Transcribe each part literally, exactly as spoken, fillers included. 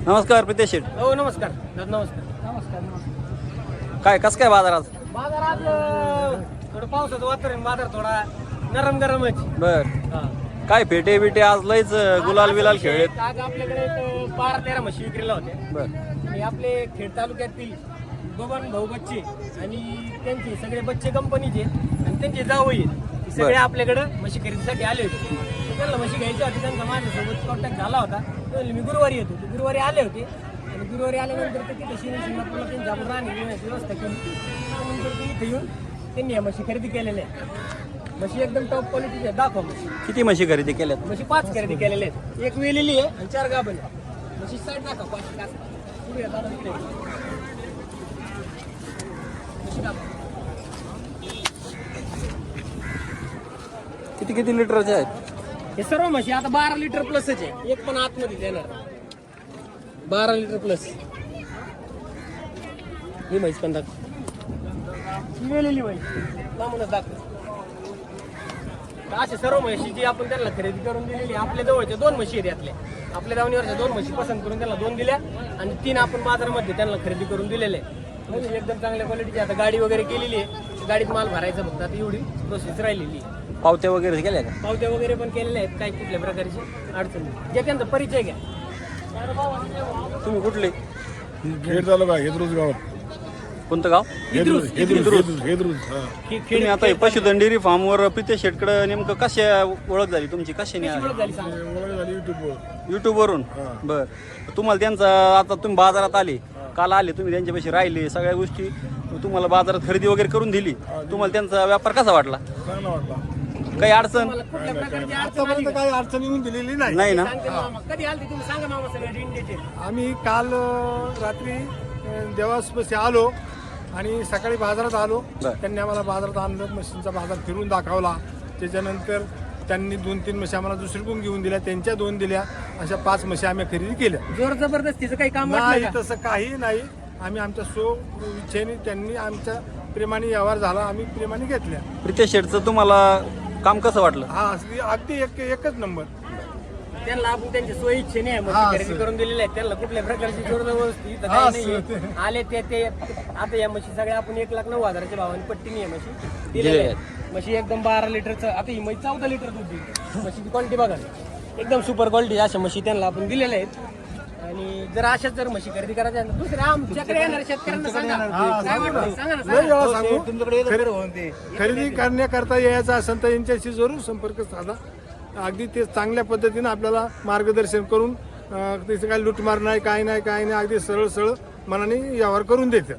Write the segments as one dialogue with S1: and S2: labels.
S1: नमस्कार प्रितेश शेठ.
S2: हो नमस्कार नमस्कार नमस्कार नमस्कार.
S1: काय कसं काय बाजार आज?
S2: बाजार आज अं, थोडं पावसाचं वातावरण, बाजार थोडा नरम गरमच.
S1: बर काय फेटे बिटे आज लयच गुलाल बिलाल खेळलेत.
S2: आज आपल्याकडे एक बारा तेरा म्हशी विक्रीला होत्या.
S1: बर
S2: आणि आपले खेड तालुक्यातील बबन भाऊ बच्चे आणि त्यांचे सगळे बच्चे कंपनीचे आणि त्यांचे जावई आहेत, सगळे आपल्याकडं म्हशी खरेदीसाठी आले होते. तर त्यांना म्हशी घ्यायची होती, त्यांचा माझ्यासोबत कॉन्टॅक्ट झाला होता. तर मी गुरुवारी येतो, ते गुरुवारी आले होते आणि गुरुवारी आल्यानंतर ते तिथे शिने शिंगणापूरला त्यांची आपण राहण्याची व्यवस्था केली. त्यानंतर ते इथे येऊन त्यांनी या म्हशी खरेदी केलेल्या आहेत. म्हशी एकदम टॉप क्वालिटीचे आहेत. दाखवा म्हशी.
S1: किती म्हशी खरेदी केल्यात?
S2: म्हशी पाच खरेदी केलेल्या आहेत, एक वेलेली आहे आणि चार गाभण आहे. म्हशी साईड दाखवा पाच कास. पुढे या, दादा पुढे या. म्हशी दाखवा.
S1: किती किती लिटरचे आहेत?
S2: हे सर्व म्हशी आता बारा लिटर प्लसच आहे, एक पण आतमध्ये देणार बारा लिटर प्लस. ही म्हैस पण दाखव, वेलेली म्हैस लांबूनच दाखव. असे सर्व म्हशी जी आपण त्यांना खरेदी करून दिलेली, आपल्या जवळच्या दोन म्हशी आहेत यातल्या. आपल्या दावणीवरच्या दोन म्हशी पसंत करून त्यांना दोन दिल्या आणि तीन आपण बाजारामध्ये त्यांना खरेदी करून दिलेले आहे. म्हणजे एकदम चांगल्या क्वालिटीची. आता गाडी वगैरे केलेली आहे, गाडीत माल भरायचा फक्त आता एवढी प्रोसेस राहिलेली आहे.
S1: पावत्या वगैरे केल्या का?
S2: पावत्या वगैरे पण केलेल्या आहेत, काही कुठल्या प्रकारची अडचण नाही. जे त्यांचा परिचय घ्या.
S1: तुम्ही कुठले?
S3: खेड तालुका हेदरूज गावात.
S1: कोणतं गाव?
S3: हेदरूज हेदरूज हेदरूज हा.
S2: खे-
S1: तुम्ही
S2: खेड
S1: आता हे पशुधन डेअरी फार्मवर प्रितेश शेठकडे नेमकं कशा ओळख झाली तुमची? कशाने
S2: कशी ओळख झाली सांगा.
S3: ओळख झाली युट्यूबवर.
S1: युट्यूब वरून? बर तुम्हाला त्यांचा आता तुम्ही बाजारात आले, काल आले तुम्ही त्यांच्यापाशी राहिले, सगळ्या गोष्टी तुम्हाला बाजारात खरेदी वगैरे करून दिली, तुम्हाला त्यांचा व्यापार कसा वाटला?
S3: चांगला वाटला.
S1: काही अडचण
S2: मला कुठल्या प्रकारची अडचण आली
S3: आतापर्यंत
S2: का?
S3: काही अडचण येऊन दिलेली नाही.
S1: नाही ना?
S2: सांगते मामा. कधी आलते तुम्ही सांगा मामा सगळं इन डिटेल.
S3: आम्ही काल अ, रात्री अ, देवासपाशी आलो आणि सकाळी बाजारात आलो.
S1: बर.
S3: त्यांनी आम्हाला बाजारात आणलं, मशीनचा बाजार फिरून दाखवला. त्याच्यानंतर त्यांनी दोन तीन म्हशी आम्हाला दुसरीकडून घेऊन दिल्या, त्यांच्या दोन दिल्या, अशा पाच म्हशी आम्ही खरेदी केल्या.
S2: जोर जबरदस्तीचं काही काम वाटलं
S3: नाही,
S2: का?
S3: तसं काही नाही. आम्ही आमच्या सो इच्छेने, त्यांनी आमच्या प्रेमाने व्यवहार झाला, आम्ही प्रेमाने घेतल्या.
S1: प्रितेश शेठचं तुम्हाला काम कसं वाटलं?
S3: हा असली अगदी एक एकच नंबर.
S2: त्यांना आपण त्यांच्या सोयी इच्छेने आहे,
S3: हा,
S2: म्हशी खरेदी
S3: सर.
S2: करून दिलेले आहेत. त्यांना कुठल्या प्रकारची जोर जबरदस्ती इथं
S3: हा,
S2: काही नाही.
S3: सर.
S2: आले ते ते आता या म्हशी सगळ्या आपण एक लाख नऊ हजाराच्या भावाने पट्टीने या म्हशी दिलेल्या
S1: दिलेल्या
S2: आहेत. म्हशी एकदम बारा लिटरचं, आता ही म्हशी चौदा लिटर दूध देते. म्हशीची क्वालिटी बघा, एकदम सुपर क्वालिटी अशा म्हशी त्यांना आपण दिलेल्या आहेत. आणि जर अशाच जर म्हशी खरेदी करायच्या आहेत, दुसऱ्या आमच्याकडे येणार शेतकऱ्यांना सांगा.
S3: हा,
S2: काय
S3: सांगू
S2: वाटतं?
S3: ना.
S2: सांगा ना,
S3: लय
S2: सांगा.
S3: वेळा सांगू. खरे- खरेदी करण्याकरता यायचं असेल तर यांच्याशी जरूर संपर्क साधा. अगदी ते चांगल्या पद्धतीने आपल्याला मार्गदर्शन करून अं, त्याचं काही लुटमार नाही, काय नाही काय नाही, अगदी सरळ सरळ मनाने व्यवहार करून देतात.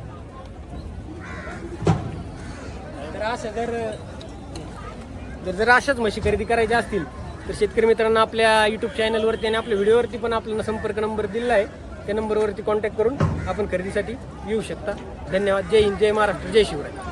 S2: तर अशा जर जर जर अशाच म्हशी खरेदी करायच्या असतील तर शेतकरी मित्रांना आपल्या युट्यूब चॅनलवरती आणि आपल्या व्हिडिओवरती पण आपल्याला संपर्क नंबर दिला आहे. त्या नंबरवरती कॉन्टॅक्ट करून आपण खरेदीसाठी येऊ शकता. धन्यवाद. जय हिंद, जय महाराष्ट्र, जय शिवराय.